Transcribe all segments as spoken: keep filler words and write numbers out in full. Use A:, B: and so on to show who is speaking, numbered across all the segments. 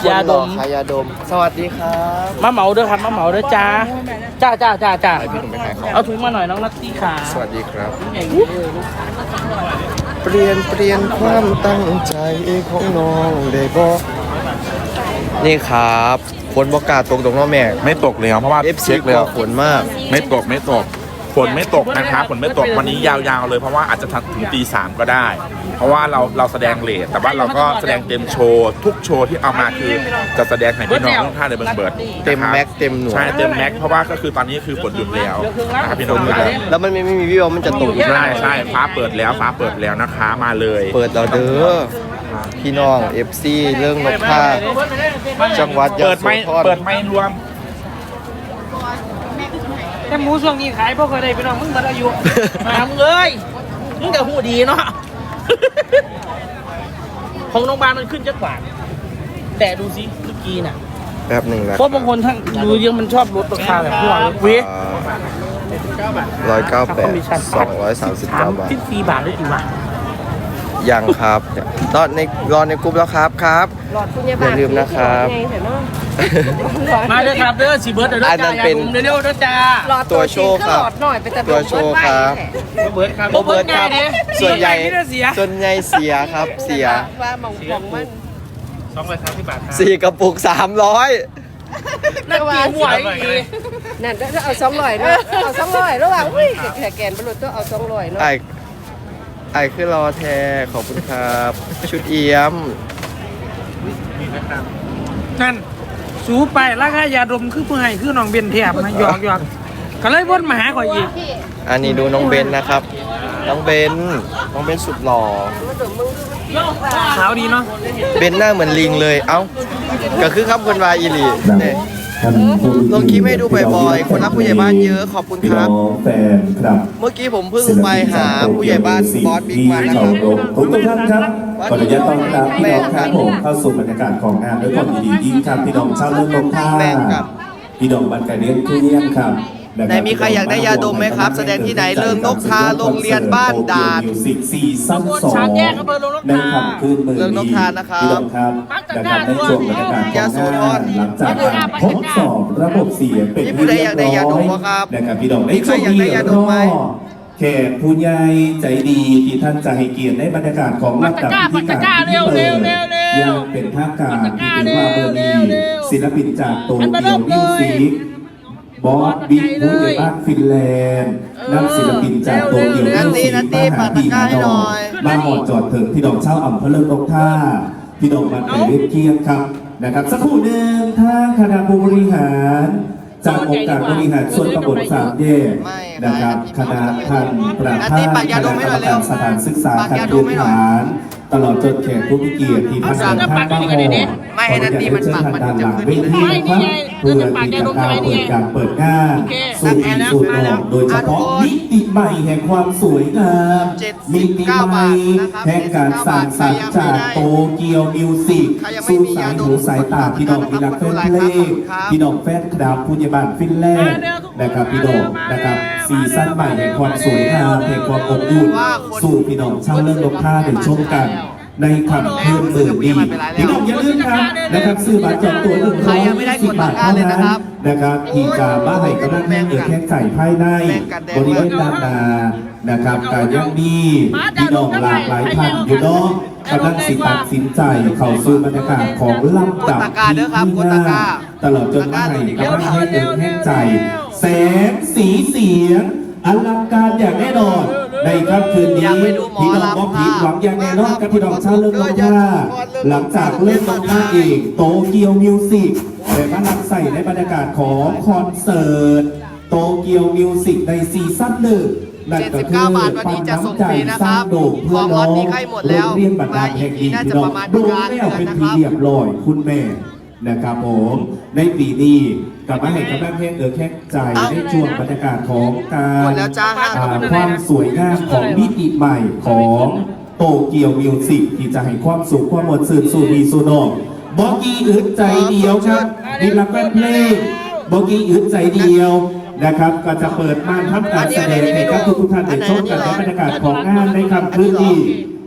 A: ยาดม
B: ขายยาดมสวัสดีครับ
A: มาเหมาด้วยครับมาเหมาด้วยจ้าจ้าจ้าจ้าจ้าเอาถุงมาหน่อยน้องนัตตี้ขา
B: สวัสดีครับเปลี่ยนเปลี่ยนความตั้งใจของน้องได้บอกนี่ครับฝนบอกกาตกตรงน้องแม่
C: ไม่ตกเลยเพราะว่า
B: เอฟ
C: เช็
B: ซี
C: คเลย
B: ฝนมาก
C: ไม่ตกไม่ตกฝนไม่ตกนะครับฝนไม่ตกวันนี้ยาวๆเลยเพราะว่าอาจจะถึงตีสามก็ได้ เพราะว่าเราเราแสดงเลทแต่ว่าเราก็แสดงเต็มโชว์ทุกโชว์ที่เอามาคือจะแสดงให้พี่น้องทุกท่านเลยเบิร์ดเบิร์ด
B: เต็มแม็กเต็มหน่วย
C: ใช่เต็มแม็กเพราะว่าก็คือตอนนี้คือฝนหยุดแล้วนะครับพี่น้องครับ
B: แล้วมันไม่ไม่มีวิวมันจะตก
C: ใช่ใช่ฟ้าเปิดแล้วฟ้าเปิดแล้วนะคะมาเลย
B: เปิดเราเด้อพี่น้องเอฟซีเรื่องนกผ้าจังหวัดยะ
C: เปิด
B: โส
C: ไม่
B: ธร
C: เปิดไม่รวม
A: แต่หมูช่วงนี้ขายพวกเคยได้พี่น้องมึงมาอายุมามึงเอ้ยมึงกับหูดีเนาะของโรงพยาบาลมันขึ้นจักบาทแต่ดูสิเมื่อกี้น่ะ
B: แป๊บหนึ่งนะ
A: เพราะบางคนทั้งดูยังมันชอบลดราคาแบบพวกเราเว้ย
B: ร้อยเก้าแปดสองร้อยสามสิบ
A: สา
B: เก้าม บาท
A: สิบสี่บาทได้กี่บาท
B: ยังครับรอในรอในกลุ่มแล้วครับครับอย่าลืมนะครับ
A: มาเด้อครับเด้อสีเบิร์ดเด้อ
B: อันนั้
A: จ้าน
B: เป็น
A: เร็วๆเด้อจ้า
B: ตัวโชว์ครับ
D: หน่อยเป็นแต่
B: ตัวโชว์ครับ
A: เบิร์ดครับ
B: โบเบิร์ตครับส่วนใหญ่
A: เสีย
B: ส่วนใหญ่เสียครับเสีย
D: ว่าหมองหมองมัน
A: สองร้อยสามสิบบาทครับ
B: สี่กระปุกสามร้อย
A: นั่นกี่หัวอีก
D: นั่นถ้าเอาสองร้อยเนาะเอาสองร้อยระหว่างอุ้ยแขกแกนบรรลุต้องเอาสองร้อยเนาะ
B: ไอไอคือรอแทขอบคุณครับ ชุดเอี้ยม
A: นั่นสูไปราคายาดมคือเพื่อให้คือน้องเบนเทียบนะหยอกหยอกก็เลยวนมาหาข่อยอีก
B: อันนี้ดูน้องเบนนะครับ น้องเบนน้องเบนสุดหล่อ
A: ขาวดีเนาะ
B: เบนหน้าเหมือนลิงเลย เอ้า ก็คือคำคนวายอีหลีเนี่ย
E: ท่านผู้มี
B: ลงคลิปให้ดูบ่อยๆคนรักผู้ใหญ่บ้านเยอะขอบคุณ
E: พี่
B: ค
E: น้
B: รั
E: อบ งแฟนครับ
B: เมื่อกี้ผมเพิ่งไปหาผู้ใหญ่บ้านบอสบิ๊กมานะ
E: ช
B: ค
E: ม
B: รับ
E: รมทุกท่านครับขออนุญาตต้อนรับพี่น้องครับผมเข้าสู่บรรยากาศของงานด้วยความยินดียิ่งครับพี่น้องชาวเรื่องลงท่า
B: แม่งครับ
E: พี่น้องบันไกเลี้ยงทุเรียนครับ
B: ไหนมีใครอยากได้ยาดมไหมครับแสดงที่ไหนเริ่มนกทาโรงเรียนบ้านด่าน
E: มิวสิกซีซั่นสอง
A: ชามแยกอำเภอโรงนกทา
E: ในค่ำคืนเมือง
B: เรื่องนกทานะครับ
E: พี่น้องครับนะครับในช่วงบรรยากาศของงานหลังจากการทดสอบระบบเสียงเป็น
B: มีผู้ใดอยากได้ยาดมบ่ครับ
E: นะครับพี่น้องใน
B: มีใคร
E: ช่วง
B: อยาก
E: นี้
B: ได้ยาดมไหม
E: แขกผู้ใหญ่ใจดีที่ท่านจะให้เกียรติในบรรยากาศของลำดับที่การที่เปิดยังเป็นทางการที่ถือว่าเบอร์นีศิลปินจากโตเกียวมิวสิกบอสบิ๊กผู้ใหญ่บ้านฟินแลนด์นักศิลปินจากโตเกียวมิวสิกบ้านหาดีนาดองมาหมดจอดถึงพี่น้องเช่าอำเภอเลิงนกท่าพี่น้องมันไปเรียบเกียรติครับนะครับสักครู่หนึ่งทางคณะผู้บริหารจากองค์การบริหารส่วนตำบลสามแยกนะครับคณะท่านประธานคณะกรรมการสถานศึกษาการพื้นฐานตลอดจนแขกผู้มีเกียรติที่ท่านท่านบ้างหอ
B: ไม่ให้นัตตี้มันปักมันจะขึ้น
E: เวทีครับเพื่อที่จะกล่าวเปิดการเปิดงานสู่อีกสู่นอกโดยเฉพาะมิติใหม่แห่งความสวยงามมิติใหม่แห่งการสร้างสรรค์จากโตเกียวมิวสิกสู่สายหูสายตาพี่น้องพี่นักแฟนเพลงพี่น้องแฟนคลับผู้ใหญ่บ้านฟินแลนด์นะครับพี่น้องนะครับซีซั่นใหม่แห่งความสวยงามแห่งความอบอุ่นสู่พี่น้องชาวเลิศลกท่าได้ชมกันในคำคืนหมื่นดีพี่น้องอย่าลืมครับนะครับซื้อบัตรจองตั๋วหนึ่งร้อยสิบบาทเท่านั้นนะครับที่จะมาให้กำลังแม่เกิดแข่งไก่ภายในบริเวณด้านหน้านะครับการยังมีพี่น้องหลากหลายท่านอยู่เนาะกำลังสิตัดสินใจเข้าสู่บรรยากาศของลำดับที่ห้าตลอดจนมาให้กำลังแม่เกิดแข่งใจแสงสีเสียงอลังการอย่างแน่นอนในค่ำคืนนี้พี่น้องมองผิดหวังอย่างแน่นอนกับพี่น้องชาวเลิศลงท่าหลังจากเล่นลงท่าเองโตเกียวมิวสิกแต่มาลังใส่ในบรรยากาศของคอนเสิร์ตโตเกียวมิวสิกในซีซั่นหนึ่งนั่นก็คือปันน้ำใจสร้างโด่งเพื่อน้องโรงเรียนบัตรดาแห่งนี้พี่น้องโดนแล้วเป็นทีเรียบร้อยคุณแม่นะครับผมในปีนี้กลับมาให้กำลังเพลงเออแค่ใจในช่วงบรรยากาศของการความสวยงามของมิติใหม่ของโตเกียวมิวสิกที่จะให้ความสุขความหมดสื่นสู่ดีสู่นอกบอกกี้อึดใจเดียวครับนี่รักแฟนเพลงบอกกี้อึดใจเดียวนะครับก็จะเปิดม่านทำการแสดงให้กับทุกท่านได้ชมกันในบรรยากาศของงานในค่ำคืนนี้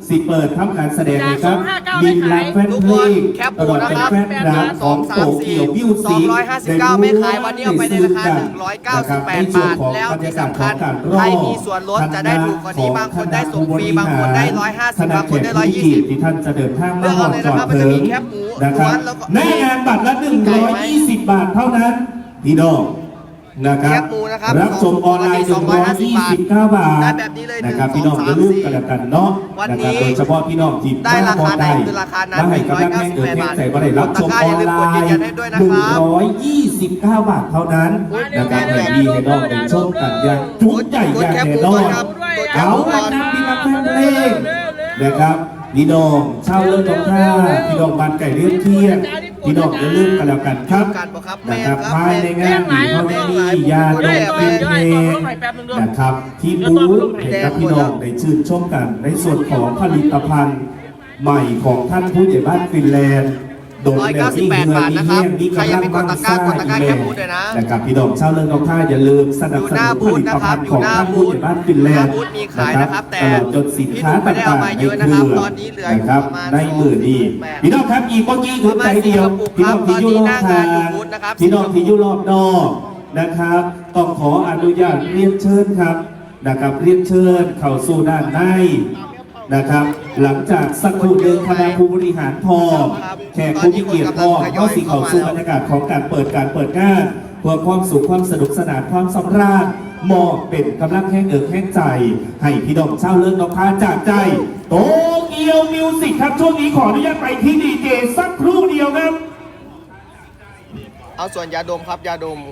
E: สิเปิดทำการแสดงเลยครับบินรักแฟนเพลงตลอดเป็นแฟนรักของโตเกียวมิวสิก
B: สองร้อยห้าสิบเก้าไม่ขายวันนี้เอาไปในราคาหนึ่งร้อยเก้าสิบแปดบาทแล้วที่สำคัญใครมีส่วนลดจะได้ถูกกว่านี้บางคนได้ส่งฟรีบางคนได้ร้อยห้าสิบบางคนได้ร้อยยี่สิบ
E: ที่ท่านจะเดินทางมาหอดจอดเถิงนะครับในงานบัตรละหนึ่งร้อยยี่สิบบาทเท่านั้นพี่น้องนะครับรับชมออนไลน์หนึ่งร้อยยี่สิบเก้าบาทนะครับพี่น้องจะรูปกันแล้วกันเนาะนะครับโดยเฉพาะพี่น้องที่
B: ได้ราคาไหน
E: ได้
B: คือราคานั้น
E: ได้กำลังแข่งเกิดแข่งใส่บ่ได้รับชมออนไลน์หนึ่งร้อยยี่สิบเก้าบาทเท่านั้นนะครับให้ดีให้น้องได้ชมกันอย่างจุใจอย่างแน่นอนเอาละครับพี่นักแฟนเพลงนะครับพี่น้องชาวเลิศตรงท่าพี่น้องบ้านไก่เลี้ยงเที่ยงพี่น้องอย่าลืมกันแล้วกันครับนะครับภายในงานมีเขามียาดมเพลงเพลงนะครับที่บูธให้กับพี่น้องได้ชื่นชมกันในส่วนของผลิตภัณฑ์ใหม่ของท่านผู้ใหญ่บ้านฟินแลนด์โดยแนวที่เงินมีเงี้ยมีกำลังมั่งซ่าอีเมลนะครับพี่น้องชาวเลิศตรงท่าอย่าลืมสนับสนุนผลิตภัณฑ์ของท่านผู้ใหญ่บ้านฟินแลนด์นะครับตลอดจนสินค้าต่างๆในเครือนะครับในมือดีพี่น้องครับอีกเมื่อกี้คือใจเดียวพี่น้องที่อยู่รอบทางพี่น้องที่อยู่รอบนอกนะครับต้องขออนุญาตเรียนเชิญครับนะครับเรียนเชิญเข้าสู่ด้านในนะครับหลังจากสักครู่หนึ่งคณะผู้บริหารพอแขกผู้มีเกียรติพอก็สิเข้าสู่บรรยากาศของการเปิดการเปิดงานเพื่อความสุขความสนุกสนานความสำราญมอบเป็นกำลังแห่งเอิกแห่งใจให้พี่น้องชาวเลิศน้องค้าจากใจโตเกียวมิวสิกครับช่วงนี้ขออนุญาตไปที่ดีเจสักครู่เดียวครับ
B: เอาส่วนยาดมครับยาดม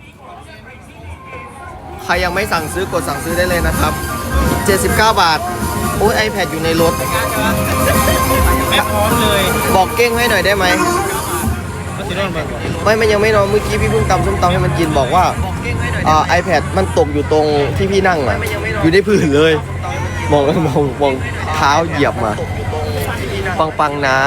B: ใครยังไม่สั่งซื้อกดสั่งซื้อได้เลยนะครับเจ็ดสิบเก้าบาทโอ้ย iPad อยู่ในรถแม่พร้อมเลยบอกเก้งให้หน่อยได้ไหมไม่มันยังไม่นอนเมื่อกี้พี่เพิ่งตำส้มตำให้มันกินบอกว่าอ่า iPad มันตกอยู่ตรงที่พี่นั่งอ่ะอยู่ในพื้นเลยมองมองมองเท้าเหยียบมาปังปังนะ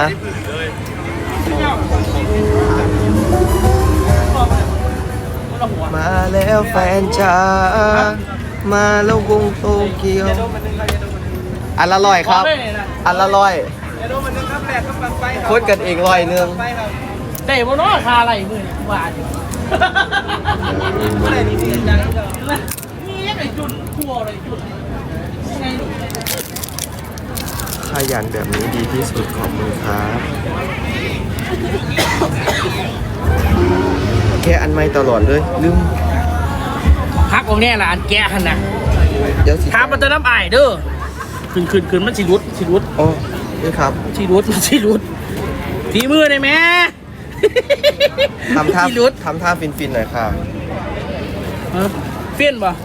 B: มาแล้วแฟนจ้ามาแล้ววงโตเกียวอันละร้อยครับอันละร้อยคนกันเองร้อยหนึง
A: แต่บนน้อคาอะไรมือเนี่ยบาทมียังไงจุดทั่วเลยจุด
B: ขยันแบบนี้ดีที่สุดขอบคุณครับแค่อันไม่ตลอดเลยลืม
A: พักของแน่ละอันแกะหันนะ
B: เดี๋ยวสิ
A: ถามมันจะน้ำอ่ายเด้อขึ้นขึ้นขึ้นมันสิรุดสิรุด
B: โอ้นี่ครับ
A: สิรุดมันสิรุดทีมือได้ไหม
B: ทำท่า
A: สิรุด
B: ทำท่าฟินฟินๆหน่อยครับ
A: เฟี้ยนป่ะ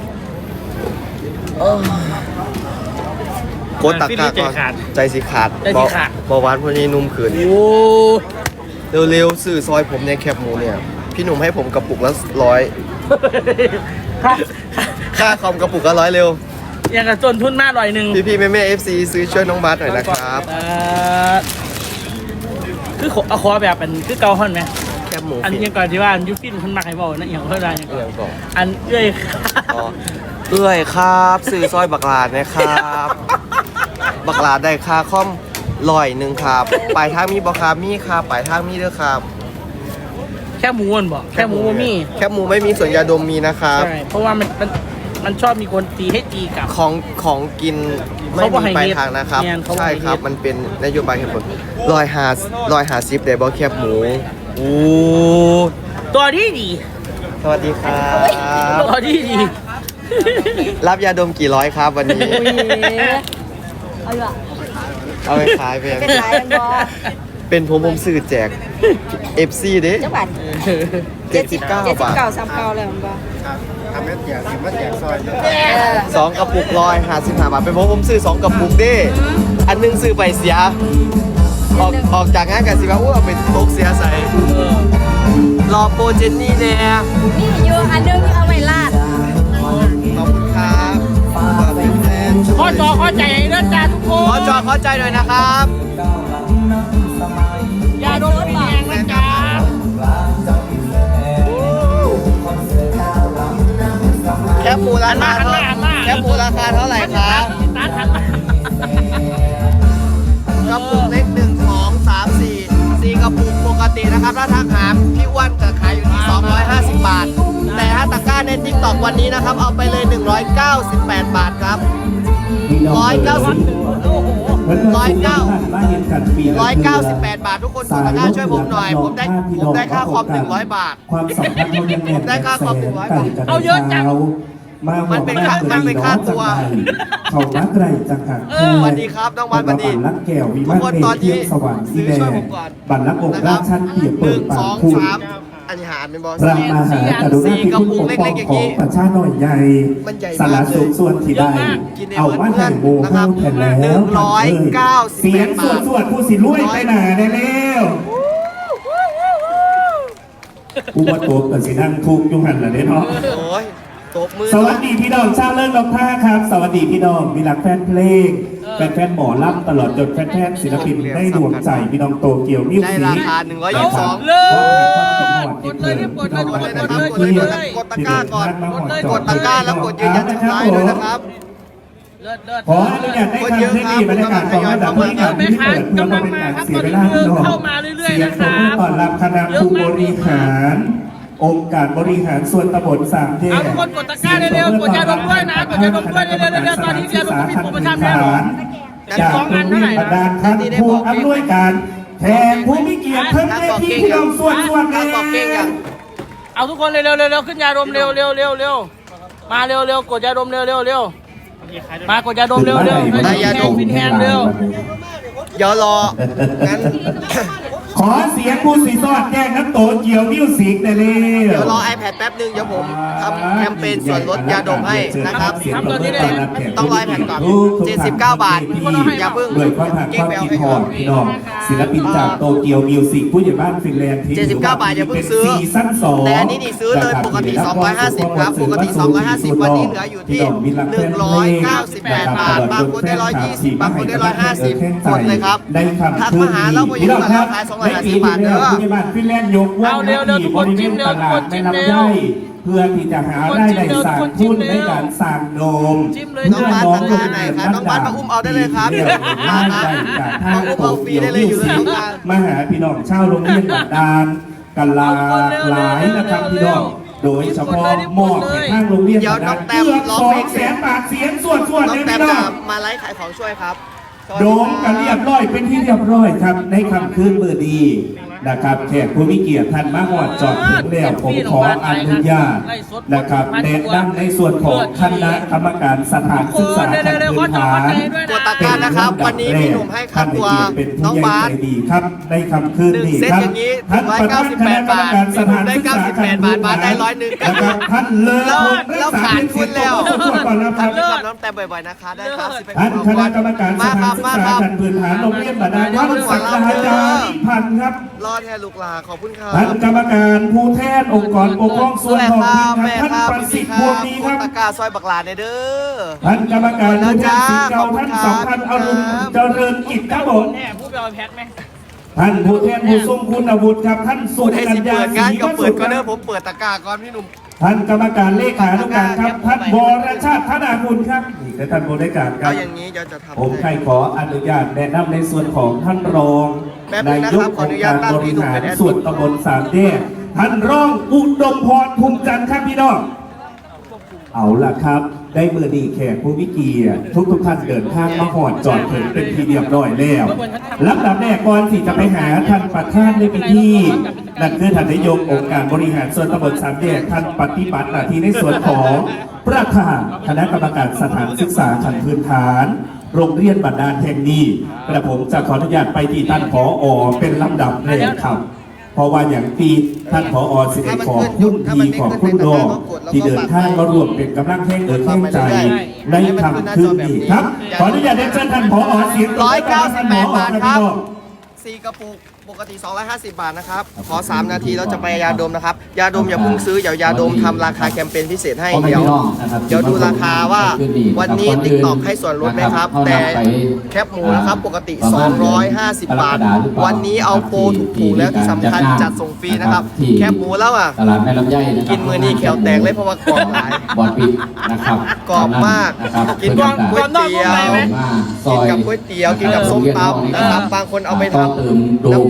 B: โคตรตักกาก่อนใจสิขาด
A: ใจสิขาด
B: เบาหวานพวกนี้นุ่มขืน
A: โอ้
B: เร็วๆสื่อซอยผมในแคบหมูเนี่ยพี่หนุ่มให้ผมกระปุกละร้อยค่าคอมกระปุกละร้อยเร็ว
A: ยังกระต้นทุนมากหน่อยหนึ่ง
B: พี่พี่แม่แม่เอฟซีซื้อช่วยน้องบาสหน่อยนะครับ
A: เอ่อคือขอเอาขอแบบเป็นคือเกาฮอนไหม
B: แคบหมู
A: อันยังก่อนที่ว่าอันยูฟินขึ้นมาให้บอกนะอย่างเท่าไรอย่าง
B: เอียงก่อน
A: อันเอ้ย
B: อ๋อเอื้อยครับสื่อซอยบักลาดนะครับ บักลาดได้ค่าคอมลอยหนึ่งครับปลายทางมีบอครับมีครับปลายทางมีเด้อครับ
A: แค่หมูมันบอกแค่หมูบ่มี
B: แคบหมูไม่มีส่วนยาดมมีนะครับ
A: ใช่เพราะว่ามันมันมันชอบมีคนตีให้ตีกลับ
B: ของของกินไม่
A: เขาบ่
B: มี
A: ให้
B: ปลาย
A: เฮ็ด
B: ทางนะครับ
A: เนี่ยเขาบ่
B: ใช่
A: ให้
B: ครับ
A: เฮ็ด
B: มันเป็นนโยบายแคบหมูลอยหาลอยหาซิปได้บอแคบหมูโอ้
A: ตัวดีดี
B: สวัสดีครับ
A: ตัวดีดี
B: รับยาดมกี่ร้อยครับวันนี้
D: เอาอยู่อ่ะ
B: เอาไปขายไป
D: เป็นไรกันบอ
B: เป็นผมผมสื่อแจก เอฟ ซี เด้
D: เจ้าบัตร
B: เจ็ดสิบเก้า
D: เจ็ดสิบบ
B: าท
D: เก้าสามเก้าเลยมันบอ
E: ทำให้แจกสิมาแจกซอย
D: เออ
B: สองกระปุกร้อยห้าสิบห้าบาทเป็นผมผมซื้อสองกระปุกเด้อันหนึงซื้อไปเสีย ออกออกจากงานกันสิว่าอู้เอาไปตกเสียใส่รอโปรเจนนี่แน่
D: นี่อยู่อันนึงเอาไว้ลาด
B: ขอบคุณครับเป็นแฟน
A: ข้อจอข้อใจเรื่องจ้าทุกค
B: ขอน จอขอใจหน่อยนะครับ
A: อย่าโดนแรงนะจ๊ะ
B: แคบหมูราคาเท่าแคบหมูราคาเท่าไหร่ครับ
A: ตาทันมา
B: นะครับถ้าทักหาพี่อ้วนจะขายอยู่ที่สองร้อยห้าสิบบาทแต่ถ้าตะกร้าใน ติ๊กต็อก วันนี้นะครับเอาไปเลยหนึ่งร้อยเก้าสิบแปดบาทครับร้อยเก้าสิบ ร้อยเก้าร้อยเก้าสิบแปดบาททุกคนกดตะกร้าช่วยผมหน่อยผมได้ผมได้ค่าคอมหนึ่งร้อยบาท
E: ความสัมพันธ์มันยังแน่น
B: ได้ค่าคอมหนึ่งร้อยบาท
A: เอาเยอะจัง
E: มา
B: มันเป็นค่ามันเป็นค่าตัว
E: เขานักไรจังหัก
B: สวัสดีครับน้องวันสวัสดี
E: บัตรลักแก้ววิ
B: ทุ
E: มาก น
B: คน
E: เม
B: ตอน
E: เที
B: นี้
E: ยมสว่างสี
B: ซื้อ
E: แด
B: ช่วย
E: ง
B: ผมก่อน
E: บัตรลักองค์
B: นะค
E: รา
B: รั
E: ชชั้นเปียก
B: ห
E: เปิ
B: นึ่
E: ด
B: ง
E: ปา
B: ส
E: ก
B: อง
E: คุณ
B: สามอันนี้หารเป็นบอส
E: พระมหากรุณาธิคุณปกป้องของประชาหน่อยใหญ่
B: มันใหญ่
E: สาร
B: มากเลย
E: สุขส่วนที่ได้
B: กินใน
E: เอามาให้โม
B: นะ
E: โห
B: ครับ
E: แทนแล้ว
B: หนึ่งร้อยเก้าสิบ
E: เสียง
B: แป
E: สว
B: ด
E: ด
B: บาท
E: สวดผู้สิรวยไปหนาได้แล้วผู้ว่าตัวเกิดสินั่งทุกข์อยุหันละเด้เนาะ
B: โอ้ยตบมือ
E: สวัสดีพี่น้องชาวเลิศลงท่าครับ สวัสดีพี่น้องมีรักแฟนเพลงแฟนแฟนหมอลำตลอดจนแฟนแฟนศิลปินได้ดวงใจพี่น้องโตเกียวมิว
B: ได้
E: สิ
B: ราคาหนึ่งร้อยยี่สิบสอง
A: เลย
E: กดเลยกดเลยกดเลย
B: นะครับกดเลยนะครับกดตะกร้าก่อนกดตะกร้าแล้วกดยืนยันสุดท้ายด้วยนะครับ
A: เลิศเลิศ
E: ขออนุญาตได้ทำที่นี่บรรยากาศของระดับที่การที่เปิดเพื่อมาเป็นการเสียเวลาพี่น้อง
A: เข้ามาเรื่อยๆ
E: เสียง
A: นะค
E: ปร
A: รั
E: บบ มือต้อนรับคณะผู้บริหาร องค์การบริหารส่วนตำบลสามแยก
A: เอาทุกคนกดตะกร้าเร็วๆกดยาดมด้วยนะกดยาดมด้วยเร็วๆเร็วๆตอนนี้ยาดมก็มีโปรโมชั่นแน่นอน
E: จากโรงเรียนบรรดาลท่านผู้อำนวยการแทนผู้มีเกียรติเพิ่มเวทีพี่น้องส่วนส่วน
B: การบอกเก่งอย่าง
A: เอาทุกคนเร็วๆเร็วๆขึ้นยาดมเร็วๆเร็วๆเร็วๆมาเร็วๆกดยาดมเร็วๆเร็วๆมากดยาดมเร็วๆเร็วๆฟินแฮนด์เร็ว
B: เดี๋ยวรองั้น
E: ขอเสียงผู้สีสอดแจ้งน้ำโตเกียวมิวสิกได้เลย
B: เดี๋ยวรอ iPad แป๊บนึงเดี๋ยวผมทำแคมเปญส่วนลดยาดมให้นะครับ ต้องรอ iPad ก่อนเจ็ดสิบเก้าบาทอย่าเพิ่ง
E: ด้วยความหัก
B: เก่
E: ค
B: ง
E: วาม
B: ไปเอา
E: คิด
B: ให้
E: ฮ
B: ก่
E: อ
B: อน
E: ดพี่น้องศิลปินจากโตเกียวมิวสิกผู้ใหญ่บ้านฟินแลนด์ที่
B: เจ็ดสิบเก้าบาทอย่าเพิ่งซื้อ
E: ซีซั่นสอง
B: แต่อันนี้นี่ซื้อเลยปกติสองร้อยห้าสิบครับปกติสองร้อยห้าสิบวันนี้เหลืออยู่ที่หนึ่งร้อยเก้าสิบแปดบาทบางคนได้หนึ่งร้อยยี่สิบบางคนได้หนึ่งร้อยห้าสิบกดเลยครับ
E: ได้คำ
B: ทักมาหาเราไปอยู่กับเราขายสองร้อยห้าสิบบาทเด้อ
E: ผู้ใหญ่บ้านฟินแลนด์ยกว่า
A: เอาเร็วๆทุกคนจิ้มเร็วทุกคนจิ้มเร็ว
E: เพื่อที่จะหารายได้สร้างทุนในการสร้างโดม
A: จิ้มเลย
B: น้องบ้านตะกร้าไหนครับน้องบ้านมาอุ้มเอาได้เลยครับ
E: มาได้จากทางโตเกียวมิวสิกมาหาพี่น้องชาวโรงเรียนบัดดาลกันลาหลายนะครับพี่น้องโดยเฉพาะมอบให้ทางโรงเรียนบัดดาลเกือบสองแสนบาทเสียงส่วนส่วน
B: น้อ
E: เล
B: ง
E: ย
B: แต้
E: พี่
B: ม
E: น้อ
B: จะ
E: ง
B: มาไลฟ์ขายของช่วยครับ
E: โดมกันเรียบร้อยเป็นที่เรียบร้อยครับในคำคืนมือดีนะครับแขกผู้มีเกียรติท่านมาหอดจอดถึงแล้วผมขออนุญาตนะครับแนะนำในส่วนของคณะกรรมการสถานศึกษาขั้นพื้นฐาน
B: กดตะกร้านะครับวันนี้พี่หนุ่มให้ค่าตัวน้องบาส
E: เป็นผู้ใหญ่ใจดีครับในคำคืน
B: หนึ่ง
E: นี้
B: เซต
E: ครับ
B: อย่างนี้
E: ท่านประธานคณะกรรมการสถานศึกษาขั้นพื้นฐาน
B: ได้ร้อยหนึ่ง
E: นะครับท่านเลิศ
B: แล้วขาดทุนแล้ว
E: ก่อนแล้วครับ
B: ทำกับน้องแต้มบ่อยๆนะคะได้ครับสิบ
E: ท่านคณะกรรมการส
B: มาค
E: ถา
B: รั
E: น
B: บ
E: ศึก
B: มา
E: ษา
B: ครับ
E: ขั้นพื้นฐานโรงเรียนบาดาลวัดสังฆาจารย์พันธ์ครับ
B: รอดแทนลูกหลาขอบคุณครับ
E: ท่านกรรมการผู้แทนองค์กรปกครองส่วน
B: แม่
E: ท้อง
B: ค
E: ถิ่
B: รับ
E: นครับ
B: แม่
E: ท่าน
B: ครับ
E: ประ
B: พี่
E: สิทธิ์
B: ค
E: พว
B: รั
E: ง
B: บ
E: ดีครับ
B: ตะกร้าซอยบักหลาในเด้อ
E: ท่านกรรมการผู้แทนสิทธิ์เก่าท่านสองท่านอรุณเจริญกิจครับผม
A: แน่พูดไปเอาแพ็คไหม
E: ท่านผู้แทนผู้ทรงคุณอาวุธครับท่านสุ
B: พูดให้
E: กั
B: สิ
E: ญญา
B: เปิด
E: ศรี
B: งานก็
E: วั
B: เปิ
E: สุ
B: ดก็เด้อ
E: ข
B: ผมเปิดตะกร้าก่อนพี่หนุ่ม
E: ท่านกรรมการเลขานุการครับท่านวรชาติธนาคุณครับนี่คือท่านบริการครั
B: เอา
E: บ
B: อย่างนี้เดี๋ยวจะทำ
E: ผมใคร
B: ให้
E: ขออนุญาตแนะนำในส่วนของท่านรอง
B: แป๊บนึ
E: นาง
B: นะ
E: ย
B: ครั
E: ก
B: บข
E: อ
B: ออง นุ
E: ค์
B: ญา
E: การ
B: ตตั้ง
E: บ
B: พี่
E: ริ
B: หนุ่ม
E: หาร
B: เป็นแอดมิน
E: ส่วนตำบลสามแยกท่านรองอุดมพรภูมิจันทร์ครับพี่น้องเอาล่ะครับ ได้มือดีแขกผู้วิเกียรติทุกทุกๆท่านเดินทางมาหอดจอดถึงเป็นที่เรียบร้อยแล้วลำดับแรกก่อนที่จะไปหาท่านประธานในพิธีนั่นคือท่านนายกองค์การบริหารส่วนตำบลสามแยกท่านปฏิบัติหน้าที่ในส่วนของประธานคณะกรรมการสถานศึกษาขั้นพื้นฐาน โรงเรียนบัดดาลแห่งนี้กระผมจะขออนุญาตไปที่ท่านผอ.เป็นลำดับแรกครับ เพราะว่าอย่างปีท่านผอ.สิได้ขอคุณดีขอบคุณดอกที่เดินทางมารวมเป็นกำลังแห่งเอิญแห่งใจในคำคืนนี้ครับ ขออนุญาตได้เชิญท่านผอ.เสียง
B: ร้อยเก้าสิบแปดบาทครับ
E: พี่น้อง
B: สี่กระปุกปกติสองร้อยห้าสิบบาทนะครับขอสามนาทีแล้วจะไปยาดมนะครับยาดมอย่าเพิ่งซื้อเดี๋ยวยาดมทำราคาแคมเปญพิเศษให้เดี๋ยวเดี๋ยวดูราคาว่าวันนี้ติ๊กต็อกให้ส่วนลดไหมครับ แต่แคปหมูนะครับปกติสองร้อยห้าสิบบาท วันนี้เอาโปรถูกๆแล้วที่สำคัญจัดส่งฟรีนะครับแคปหมูแล้วอ่ะ
F: ตลาดแม่ลำไยนะครับ
B: กินมือนี้แขวแตกเลยเพราะว่ากรอบหลาย
F: บอดปิดนะครับ
B: กรอบมาก
F: นะครับ
B: กินกับก๋วยเตี๋ยว
F: มาซ
B: กิ
F: อน ย
B: กับก๋วยเตี๋ยวกินกับส้มตำนะครับบางคนเอาไปทำน้ำพริก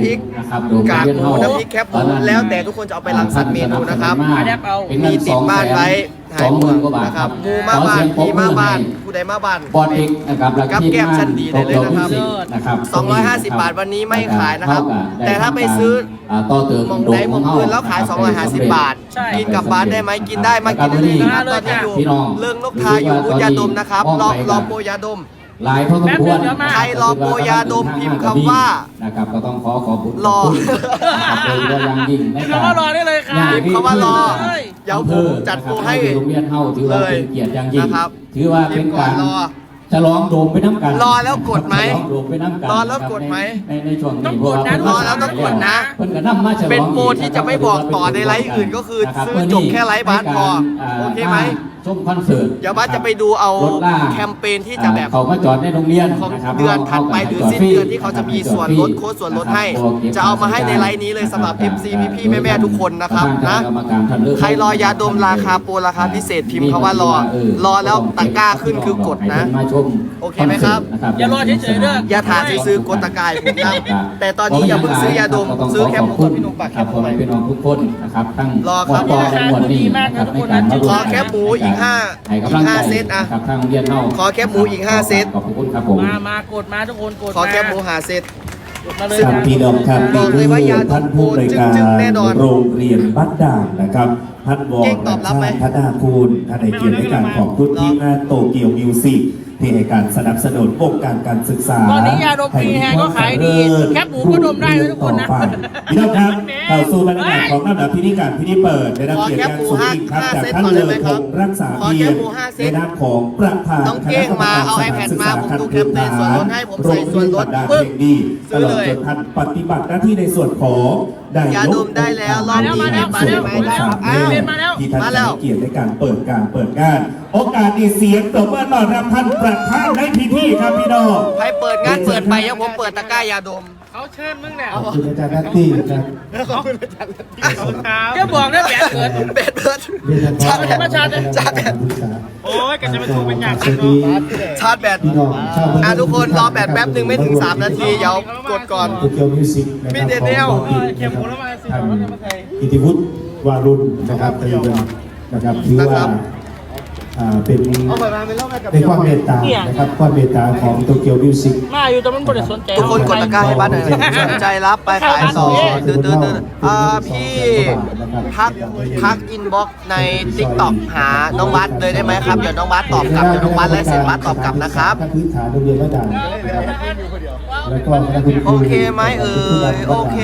B: ริก
F: นะครับโดม
B: กาก
F: เรียน
B: หมู
F: เฮา
B: น้ำพริกแคบหมูแล้วแต่ทุกคนจะเอาไปรังสรรค์เมนูนะครับ
F: เป็นเงิ
B: มี
F: น
B: ติดบ้านไว้
F: สองหมื่นกว่าบาท
B: นะค
F: ค
B: รั
F: รั
B: บบ หมูมาบ้านผีมาบ้านผู้ใดมาบ้าน
F: บอดเอกนะครับและ
B: กับ
F: ทีม
B: แก้ม
F: งา
B: ชั้
F: น
B: นดีได้เลยนะครับ
F: โตโยมิวสิกนะครับ
B: สองร้อยห้าสิบบาทวันนี้ไม่ขายนะครับ
F: เท่กับ
B: แต่ถ้าไปซื้อ
F: าต่อเติม
B: มองใดมองอื่นแล้วขายสองร้อยห้าสิบบาท
A: ใช่
B: กินกลับบ้านได้ไหมกินได้มากินได้เลยนะครับตอนนี้อยู่
F: พี่น้อง
B: เรื่องนกทาอยู่บูธยาดมนะครับรอรอโปรยาดม
F: หลายพอสมควร
A: แป๊บเดียวมา
B: ใครรอโปรยาดมพิมพ์คำว่า
F: นะครับก็ต้องขอขอบคุณ
B: รอ
F: นะครับโดยเฉพาะอย่างยิ่งใน
A: พิมพ์คำว่ารอได้เลยครับ
B: พิมพ์คำว่ารอ
A: เฮ้ย
B: เดี๋ยวผมจัดโปรให้
F: โรงเรียนเฮาถือว่าเป็นเกียรติอย่างยิ่ง
B: นะครับ
F: ถือว่าเป็นการ
B: พิมพ์ก่อนรอ
F: ฉลองโดมไปน้ำกัน
B: รอแล้วกดไหม
F: ฉลองโดมไปน้ำกัน
B: รอแล้วกดไหม
F: ในในช่วงนี้
A: ต้องกดนะ
F: เพราว่า
B: รอแล้วต้องกดนะ
F: เพิ่นก็นำมาฉลอง
B: เป็นโปรที่จะไม่บอกต่อในไลฟ์อื่นก็คือซื้อจบแค่ไลฟ์บาสพอโอเคไหม
F: ชมคอนเสิร์ต
B: เดี๋ยวบ้านจะไปดูเอา
F: รถล่าง
B: แคมเปญที่จะแบบ
F: เขามาจอดในโรงเรียน
B: ของ
F: นะครับ
B: เดือนถัดไปหรือสิ้นเดือนที่เขาจะมีส่วนลดโค้ดส่วนลดให้ จะเอามาให้ในไลน์นี้เลยสำหรับ เอฟ ซี พี่ๆแม่ๆทุกคนนะครับนะ ใครรอยาดมราคาโปรราคาพิเศษพิมพ์คำว่ารอ รอแล้วตะกร้าขึ้นคือกดนะ
F: มาชม
B: โอเคไหมครับ
A: อย่ารอเฉยๆเด้อ
B: อย่าถามซื้อกดตะกร้าให้ผมนะแต่ตอนนี้อย่าเพิ่งซื้อยาดมซื้อแคปหมูกับพี่นุ่มปากแค
F: ครับ
B: ปห
F: ผ
B: มู
F: ม
B: ไป
F: พี่น้องทุกคนนะครับทั้ง
B: รอครับ
F: วและหมวดนี้นะครับในการมาร่วม
B: ขอแคปหมูอีกห้า
F: ให้กำลัง
B: อีกห้า
F: ใจ
B: เซตอะ
F: ครับทางโรงเรียนเฮา
B: ขอแคปหมูอีกห้าเซต
F: ขอบคุณครับผม
A: มามากดมาทุกคนกด
B: ขอแคปหมูหาเซต
A: กดมาเลย
E: ครับ
A: นะ
E: พี่น้องครับ
B: บ
E: นี่
B: อกเล
E: คื
B: ย
E: อ
B: ว่ายาดม
E: ท่านผู้ในวยการ
B: จึ้งๆแน่นอน
E: โรงเรียนบ้านด่านนะครับท่านวอ
B: เก่
E: ร์
B: งตอบรับไหม
E: ธนาคูณท่านในเกียรติในการขอบคุณทีมงานโตเกียวมิวสิกที่ให้การสนับสนุนวงการการศึกษา
A: ตอนนี้ยาดมฟรีแฮงก็ขายดีแคปหมูก็ดมได้นะทุกคนนะ
E: ต่อไปพี่น้องครับเข้าสู่บรรยากาศของลำดับพิธีการพิธีเปิดได้รับเกียรติอย่างสูงยิ่งครับจากท่านเลอพงษ์รักษาเกียรติในนามของประธาน
B: น้องเก้งมาเอา iPad มาผมดูแคมเปญส่วนลดให้ผมใส่ส่วนลด
E: ปึ๊
B: ปึ๊
E: บบ ดีต
B: ซื้อ
E: ลอ
B: เล
E: ด
B: ย
E: จนท่านปฏิบัติหน้าที่ในส่วนของได้
B: ยาดมได้แล้วรอบนี้
A: มาแล้วมาแล้วมาแล้ว
B: อ้าว
A: มาแล้ว
E: ที่ท่าน
B: มาแล้ว
E: ให้เกียรติในการเปิดการเปิดงาน โอกาสดีเสียงตบมือต้อนรับท่านประธานในพิธีครับพี่น้อง
B: ใครเปิดงานเปิดไปยังผมเปิดตะกร้ายาดม
A: เขาเชิญมึงเนี่ย
E: ขอบคุณอาจารย์นัตตี้ครับ
B: ขอบคุณอาจารย์
A: แกบอกได้แหวนเกิด
B: เบ็ดเบิร์ด
E: เรียน
B: ชาร์จแบต
A: มาชาร์จ
B: ชาร์จแบต
A: โอ้ยก็จะมาถูกเป็นอย่าง
E: สวัสดี
B: ชาร์จแบต
E: พี่น้องชาว
B: อ่ะทุกคนรอแบตแป๊บหนึ่งไม่ถึงสามนาทีเดี๋ยวกดก่อน
E: โตเกียวมิวสิกนะค
B: มี
E: รับ
B: เดนเนล
E: ของ
A: เข็มหมูแล้วมาสิ
E: ท่าน
A: เราจะมาใส่
E: อิทธิวุฒิวารุณนะครับเป็นนะครับถือว่าอ่าเป็น
B: เอาไปมาเป็นเล่าให้กับ
E: เป็นความเมตตานะครับความเมตตาของโตเกียวมิวสิก
A: มาอยู่แต่มันบริสนใจ
B: ทุกคนกดตะกร้าให้บ้านหน่อยสนใจรับไปขายต่อเดินเดินเดินอ่าพี่ทักทักอินบ็อกใน ติ๊กต็อก หาน้องบัสเลยได้ไหมครับ เดี๋ยวน้องบัสตอบกลับ เดี๋ยวน้องบัสไลฟ์เสร็จบัสตอบกลับนะครับ
E: พื้นฐานโรงเรียนระดับนะครับแล้วก็คณะคุณครู
B: โอเคไหมเอ่ยโอเค